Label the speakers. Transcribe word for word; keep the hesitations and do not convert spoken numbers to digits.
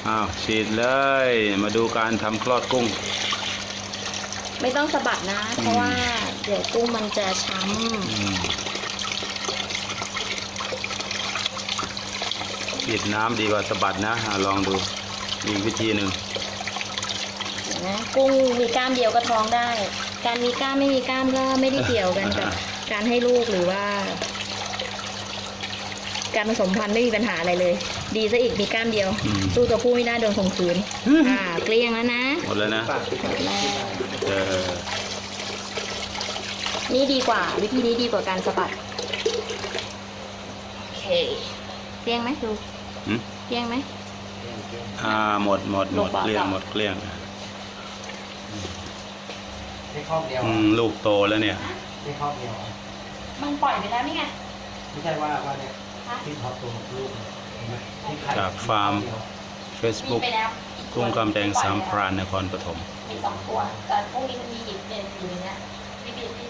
Speaker 1: อ้าวฉีดเลย มาดูการทำคลอดกุ้ง
Speaker 2: ไม่ต้องสะบัดนะ เพราะว่าเดี๋ยวกุ้งมันจะช้
Speaker 1: อืมฉีดน้ำดีกว่าสะบัดนะอ่ะลองดูอีกวิธีหนึ่ง
Speaker 2: ำเดี๋ยวนะกุ้งมีกล้ามเดียวก็ท้องได้ การมีกล้ามไม่มีกล้ามก็ไม่ได้เกี่ยวกันกับการให้ลูกหรือว่า การผสมพันธุ์ไม่มีปัญหาอะไรเลย ดีซะอีกมีกล้ามเดียว
Speaker 1: อืม
Speaker 2: สู้ตัวผู้ไม่ได้โดนข่มขืนอ่าเกลี้ยงแล้วนะ
Speaker 1: หมดแล้วนะ
Speaker 3: ปากปิด
Speaker 2: หมดแล้ว
Speaker 1: เออ
Speaker 2: นี่ดีกว่า วิธีนี้ดีกว่าการสะบัดโอเคเกลี้ยงไหมดู
Speaker 1: หืม
Speaker 2: เกลี้ยงไหม
Speaker 1: อ่าหมดหมดหมด
Speaker 2: ลูกบอล
Speaker 1: เกลี้ยง
Speaker 2: ต่อ
Speaker 1: หมดเกลี้ยง
Speaker 3: แค่ข้อบเดียว
Speaker 1: อืมลูกโตแล้วเนี่ย
Speaker 3: แค่ข้อบเดียว
Speaker 2: มันปล่อยไปแล้วนี่ไง
Speaker 3: ไม่ใช่ว่าว่าเนี่ยที่ท็อปตัวลูกเนี่ยเห็นไหมที่ไข่
Speaker 1: จากฟาร์ม
Speaker 2: มี
Speaker 1: Facebook
Speaker 2: ไปแล้วอีตัว
Speaker 1: กุ้งกำแดงสามพรานนครปฐม
Speaker 2: มีสองตัว แต่พวกนี้มันมีอีกเด่นอยู่ในเนี้ย